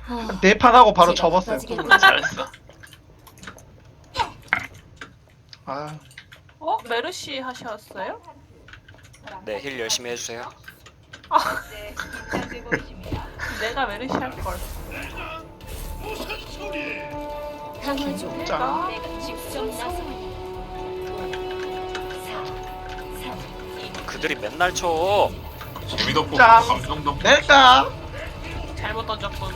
네 판 하고 바로 제가 접었어요. 빠지겠군요. 잘했어. 아, 메르시 하셨어요? 네, 힐 열심히 해주세요. 내가 메르시 할 걸. 강화 중. 짠. 그들이 맨날 쳐. 재미도 없고 짠. 감동도 없고. 낼까? 잘못 던졌군.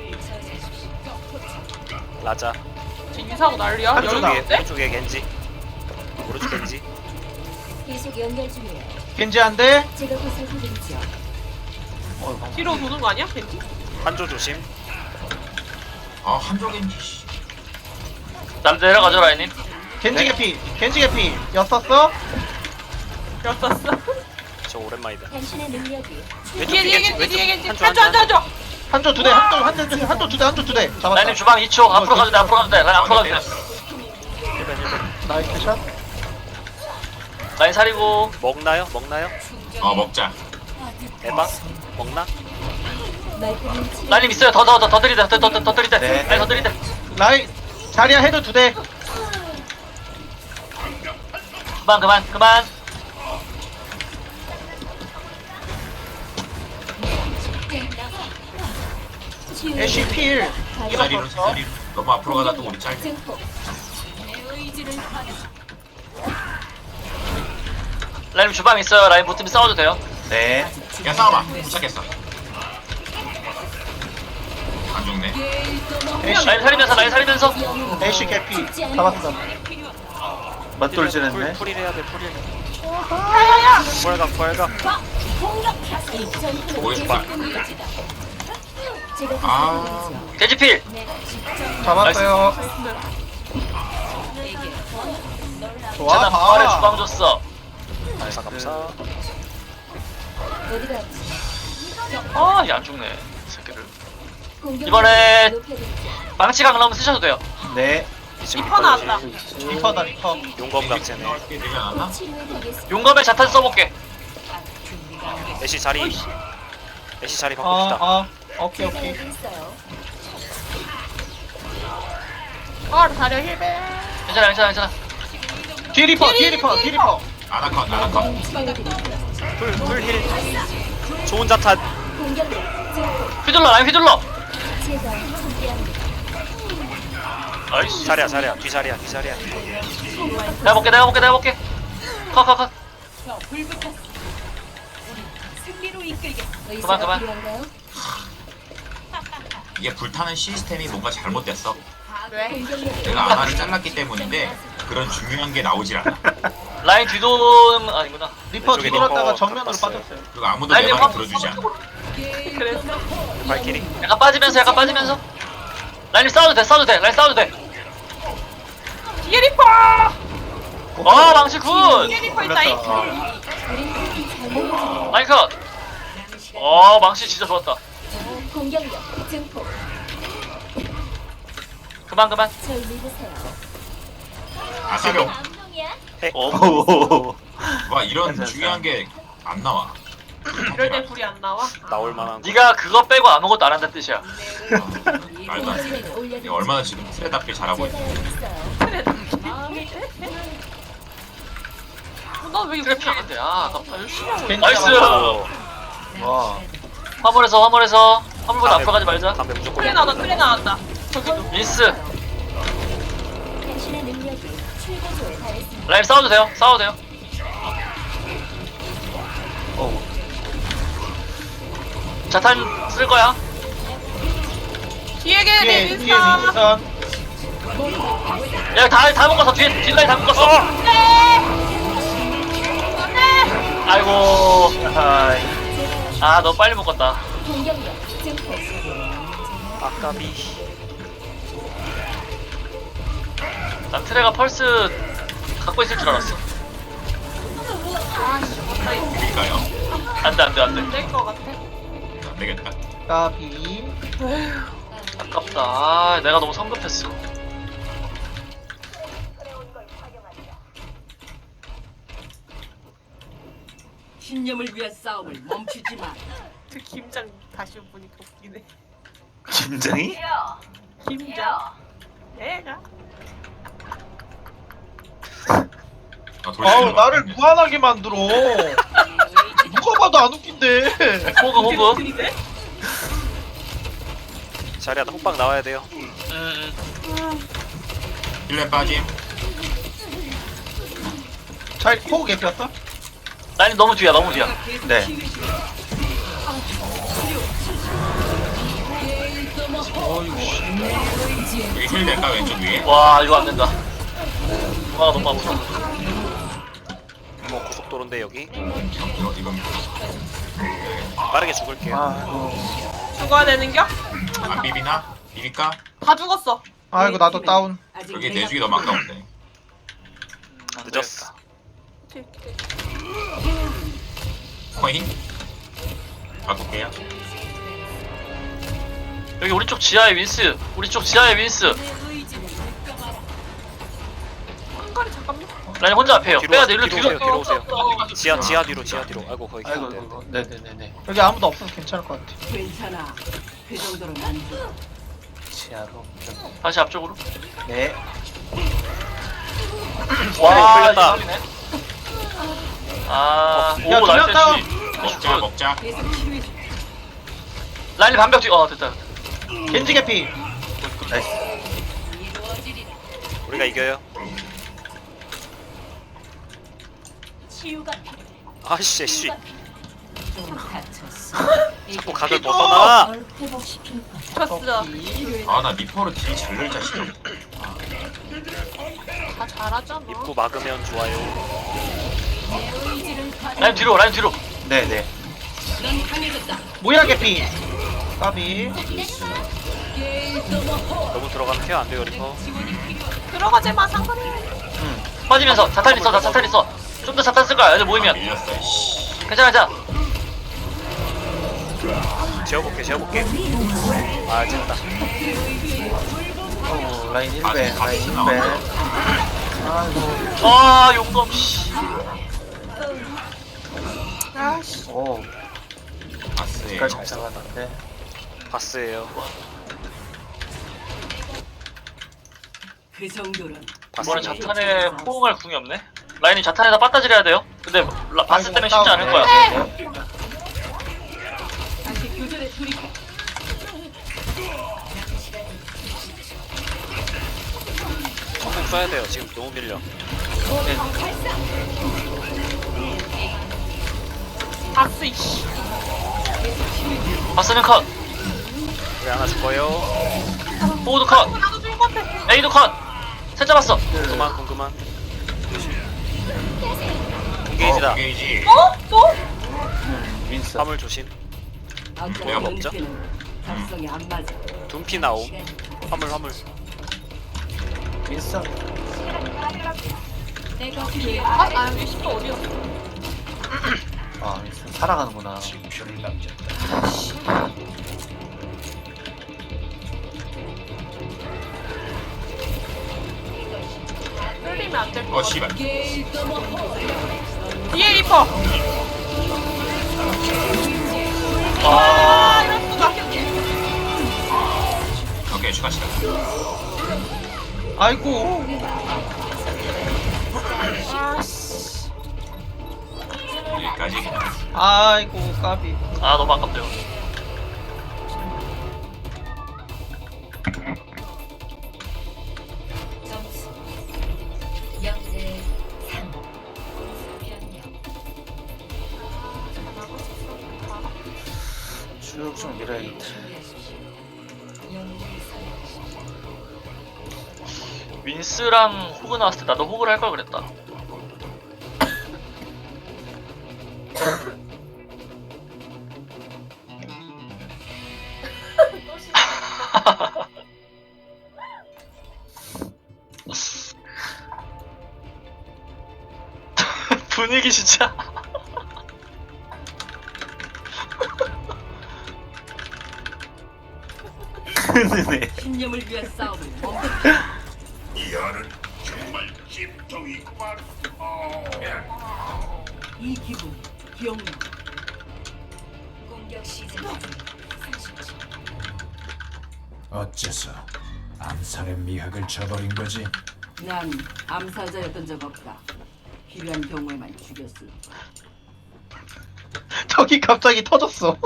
라자. 지금 이사고 난리야? 한쪽 여기 나. 있는데? 왼쪽에 겐지. 오른쪽 겐지. 계속 연결 중이에요. 겐지 한 대. 제가 보살펴드리죠. 뒤로 도는 거 아니야? 겐지? 한조 조심. 아 한쪽인지. 씨. 남자 내려가죠 라인님. 겐지 개피. 겐지 개피. 였었어? 였었어. 저 오랜만이다. 당신의 능력이 왼쪽 뒤에 뒤에 겐지, 겐지 뒤에 겐지. 한조 한조. 한조 두 대. 한조 두 대. 한조 두 대. 잡았다. 라인님 주방 2초. 앞으로 가도 돼. 앞으로 가도 돼. 라인 앞으로 가도 돼. 1벤 1벤. 나이스 샷. 라인 사리고. 먹나요? 먹나요? 먹자. 에바? 먹나? 말끔히 치료. 라인님 있어요. 더 들이대. 더 들이대. 네. 라인 더 들이대. 라인 자리야 해도 두 대. 그만. 치유. 애쉬 필. 이 자리로 저 자리로. 너무 앞으로 가다 또 우리 짤. 증폭. 라인님 주방 있어요. 라인 붙으면 싸워도 돼요. 네. 야 싸워봐. 도착했어. 안 죽네. 애쉬. 라인 살리면서. 애쉬 개피. 잡았어. 풀, 풀일 해야 돼, 풀일. 부활각. 보고 싶다. 제가 아. 보살펴드리죠. 겐지필. 잡았어요. 좋아. 쟤나 부활에 봐. 주방 줬어. 감사. 어디가 아, 얘 안 죽네. 이 새끼를. 공격 이번에 높여드리죠. 망치 강남 쓰셔도 돼요. 네. 리퍼 나왔다. 리퍼다 리퍼. 용검 각제네. 이렇게 되지 않았나? 치료해드리겠습니다. 용검에 자탄 써볼게. 애쉬 자리. 애쉬 자리 바꿉시다. 오케이. 제가 여기 있어요. 다려 힐베. 괜찮아. 뒤에 리퍼. 아나컷. 치료해드리죠. 풀 힐. 좋은 자탄. 공격력 증폭. 휘둘러, 라인 휘둘러. 제가 함께합니다. 나이스. 자리야. 뒤 자리야. 내가 볼게. 컷. 의사가 그만. 필요한가요? 이게 불타는 시스템이 뭔가 잘못됐어. 왜? 공격력을 내가 아나를 잘랐기 때문인데 그런 중요한 게 나오질 않아. 라인 뒤도는 아니구나. 리퍼 왼쪽에 뒤돌았다가 리퍼 정면으로 바꿨어요. 빠졌어요. 그리고 아무도 라인 내 화물 말을 들어주지 않아. 그랬어? 발키리. 약간 빠지면서. 라인님 싸워도 돼. 라인 싸워도 돼. 뒤에 리퍼. 망치 굿. 뒤에 리퍼 있다. 잉. 라인 컷. 망치 진짜 좋았다. 공격력 증폭. 그만. 절 믿으세요. 아사병. 와 이런 중요한 게 안 나와. 이럴 때 불이 안 나와? 나올 만한 거. 네가 그거 빼고 아무것도 안 한다는 뜻이야. 말도 안 돼. 공지를 내가 올려드리죠. 얼마나 지금 트레답게 잘하고 있어. 제가 여기 있어요. 나왜 이거 트래핑 안 돼. 아깝다. 열심히 하고. 겐지 나이스. 잡았어. 와. 화물에서 화물보다 앞으로 가지 말자. 담배 무조건. 틀에 나왔다. 저기도. 민스. 당신의 능력이 최고조에 달했습니다. 라인 싸워도 돼요. 자탄 쓸 거야. 뒤에 뒤에 걔 뒤에 민스타. 윈스턴. 야, 다 묶었어. 뒤에 뒷라인 다 묶었어. 아이고. 너 빨리 묶었다. 공격력 증폭. 아까비. 난 트레가 펄스 갖고 있을 줄 알았어. 그러니까요. 안 돼. 될것 같아. 안 되겠다. 까비. 아깝다. 내가 너무 성급했어. 신념을 위한 싸움을 멈추지 마. 그 김장 다시 보니까 웃기네. 김정희? 김장. 얘가. 아우 나를 무한하게 만들어. 누가 봐도 안 웃긴데. 호그 호그. 자리야 나 호빵 나와야 돼요. 힐레 빠짐. 잘 호구 개피었어? 라인이 너무 뒤야 너무 뒤야. 네. 여기 힐 될까 왼쪽 위에? 와 이거 안 된다. 누가 너무 아프다. 뭐 고속도로인데 여기 이건 빠르게 죽을게요. 아이고. 죽어야 되는겨? 안 비비나? 비빌까? 다 죽었어. 아이고 나도 다운. 여기 내주기 너무 아까운데. 늦었어. 코인? 바꿀게요. 여기 우리 쪽 지하에 윈스. 우리 쪽 지하에 윈스. 한가리 잠깐만. 라인 혼자 앞에요. 뒤로 빼야 돼 일로 뒤로 뒤로. 오세요. 뒤로 오세요. 지하 뒤로 지하 뒤로. 아이고 거기 아이고 안 돼. 아이고. 네네네네. 여기 아무도 없어서 괜찮을 것 같아. 괜찮아. 그 정도는 안 돼. 지하로. 다시 앞쪽으로. 네. 와 걸렸다. 이거 아 야, 오고 두명 다운. 날씨. 먹자 먹자. 라인이 반벽 뒤. 됐다. 겐지 개피. 나이스. 우리가 이겨요. 치유가 필요해. 아씨 씨. 좀 다쳤어. 자꾸 각을 벗어나. 널 회복시킬 거야. 쳤어. 아나 리퍼로 딜 잘 넣을 자식. 다 잘하잖아. 입구 막으면 좋아요. 라인 뒤로 라인 뒤로. 네네. 넌 강해졌다. 모이라 개피. 까비. 너무 들어가면 케어 안 돼요 리퍼. 들어가지 마 상관해. 빠지면서 자탄 있어 나 자탄 있어. 좀 더 자탄 쓸 거야 애들 모이면. 밀렸어. 씨. 괜찮아 괜찮아. 재워볼게. 아 됐다. 라인 1배. 아, 라인 같이 1배. 아이고. 아 용검 씨. 오. 바스에 색깔 잘 잡았는데. 바스예요. 그 정도는 이번에 바스. 자탄에 호응할 궁이 없네. 라인이 자탄에다 빠따지려야 돼요. 근데 바스 때문에 쉽지 않을 거야. 네. 다시 교전에 돌입해. 전국 써야 돼요. 지금 너무 밀려. 박스 이씨. 바스는 컷. 우리 하나 죽어요. 호우도 컷. 나도 죽을 것 같아. 에이도 컷. 셋 잡았어. 궁금한. 인게이지다. 게이지. 또? 윈스. 화물 조심. 아까 내가 먹자. 연기는 각성이 안 맞아. 둠피 나옴. 화물. 윈스. 내가 필요해. 아 여기 10도 어디였어? 아 윈스 살아가는구나. 끌리면 안 될 거. 씨발. 뒤에 리퍼. 아 이럴 수가. 오케이 추가 시간. 아이고. 아씨. 여기까지 그냥. 아이고 까비. 아 너무 아깝다 이거. 점수 0대 3. 변경. 쭉쭉 밀어야겠다. 윈스랑 호그 나왔을 때 나도 호그를 할 걸 그랬다. 분위기 진짜. 네. 신념을 위한 싸움을 멈춰. 이 기분 기억나. 공격 시작. 30초. 어째서 암살의 미학을 저버린 거지? 난 암살자였던 적 없다. 필요한 경우에만 죽였을 뿐. 저기 갑자기 터졌어.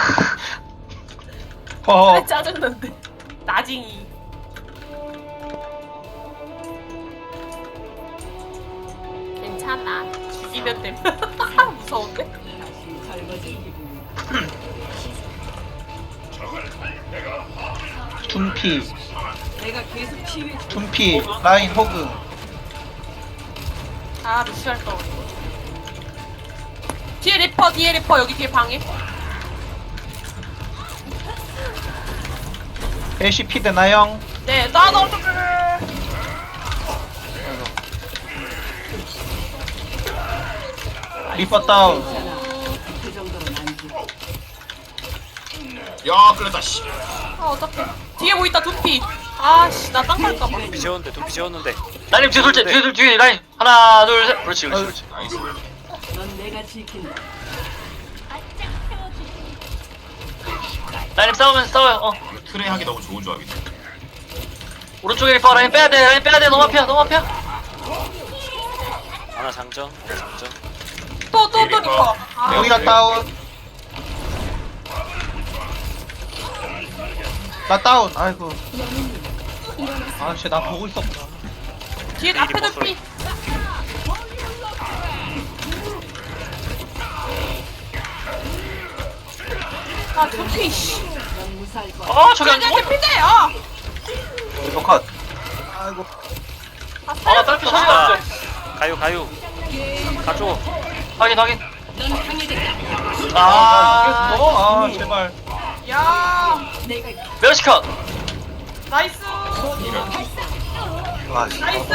그래 짜증난데. 나징이. 괜찮아. 죽이면 됨. 무서운데? 다시 젊어진 기분이. 둔피, 내가 계속 치유해 줄 둔피, 라인 호그. 아 루시할 거. 뒤에 리퍼 여기 뒤에 방에. LCP 되나요? 네, 나도 어떡해. 리퍼 다운. 괜찮아. 그 정도는 안 죽어. 야 끌렸다 씨. 아 어떡해. 뒤에 뭐 있다 두피. 아씨 나 땅 갈까봐. 둠피 재웠는데 둠피 재웠는데. 라인님 뒤에 돌지 뒤에 라인 하나 둘 셋. 그렇지 그렇지. 나이스. 넌 내가 지킨다. 라인님 싸워요. 어 트레 하기 너무 좋은 조합이다. 오른쪽에 리퍼 라인 빼야 돼 너무 앞이야. 하나 장전. 하나 장전. 또 리퍼. 아, 여기가 다운. 나 다운. 아이고. 아, 쟤나 보고 있었구나. 뒤에 앞에 두피. 아 두피 씨. 넌 무사할 거야. 아 저기 안 죽어? 피인데 아. 리퍼 컷. 아이고. 아 딸피 터졌어. 가요. 가줘. 확인. 넌 강해졌다. 아 이겼어? 아, 제발. 야 내가 메르시컷. 나이스. 아, 나이스.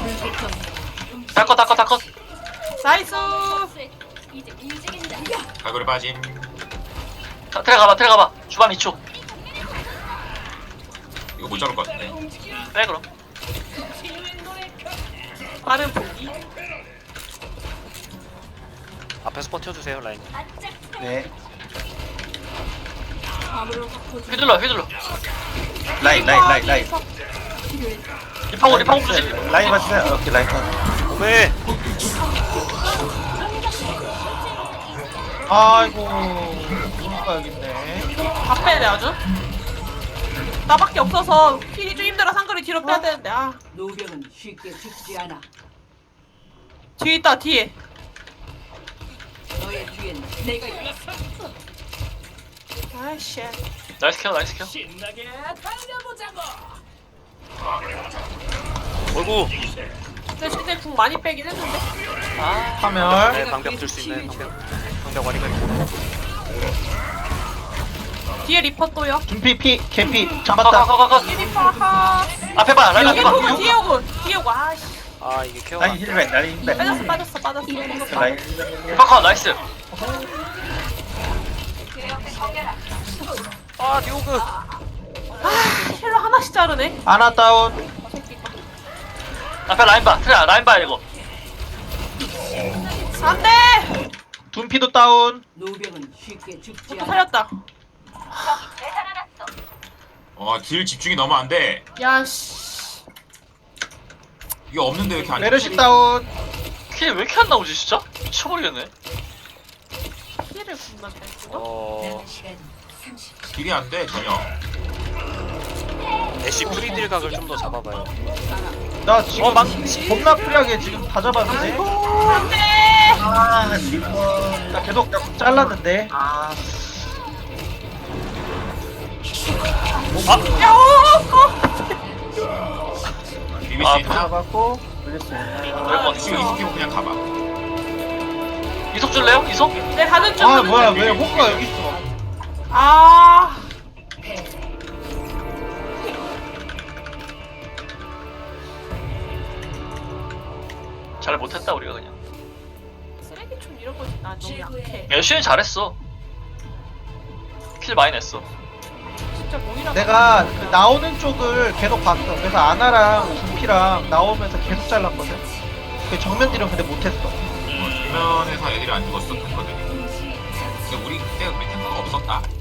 다컷. 나이스. 이제 움직인다. 갈고리 빠짐. 들어가봐. 주방 2초. 이거 못 잡을 것 같은데. 빼 그럼. 빠른 보기. 앞에서 버텨주세요 라인. 네. 휘둘러. 라인. 리파고 조심. 라인 맞으세요. 오케이, 라인 컷. 오메. 아이고. 누가 여기 있네. 앞에 내 아주. 나밖에 없어서 킬이 좀 힘들어 상거리 뒤로 빼야 되는데 아 노병은 쉽게 죽지 않아. 뒤에 있다 뒤에. 너의 뒤엔 내가 있어. 아이씨. 나이스 케어. 어이구. 근데 진짜 궁 많이 빼긴 했는데. 파멸. 네 방벽 들 수 있네. 방벽 와리가 있고. 뒤에 리퍼 또요. 둔피 피, 개피. 잡았다. 컷. 뒤에 리퍼 하. 앞에 봐. 라인 뒤에 앞에 봐. 오군 뒤에 오군 아씨. 아 이게 케어가. 라인 힐맨, 라인 힐맨. 빠졌어. 라인. 리퍼 컷. 나이스. 아 디오그. 힐러 하나씩 자르네. 아나 다운. 앞에 라인 봐. 라인 봐 이거. 안돼. 둔피도 다운. 노병은 쉽게 죽지 또 않아. 살렸다. 딜 집중이 너무 안 돼. 야씨. 이게 없는데 왜 이렇게 안 메르시 다운. 킬왜 이렇게 안 나오지 진짜? 미쳐버리겠네. 힐을 분만 잘 쓰고. 어. 시간 30초. 딜이 안 돼 전혀. 애쉬 프리딜 각을 좀 더 잡아봐요. 나 지금 망치. 겁나 프리하게 지금 다 잡았는데. 안돼. 아, 리퍼. 나 계속 잘랐는데. 아, 비빌 아, 수 있나? 잡았고. 올렸어요. 그럴 것 같아. 지금 이스키고 그냥 가봐. 이속 줄래요? 이속? 내 가는 중. 아, 뭐야, 왜 호크가 여기 있어? 아. 잘 못했다 우리가 그냥. 쓰레기총 이런 거지 나 너무 약해. 열심히 잘했어. 킬 많이 냈어. 진짜 모이라. 내가 그 나오는 쪽을 계속 봤어. 그래서 아나랑 둔피랑 나오면서 계속 잘랐거든. 그 정면 딜은 근데 못했어. 주변에서 애들이 안 죽었었거든. 근데 우리 그때 우리 탱커가 없었다.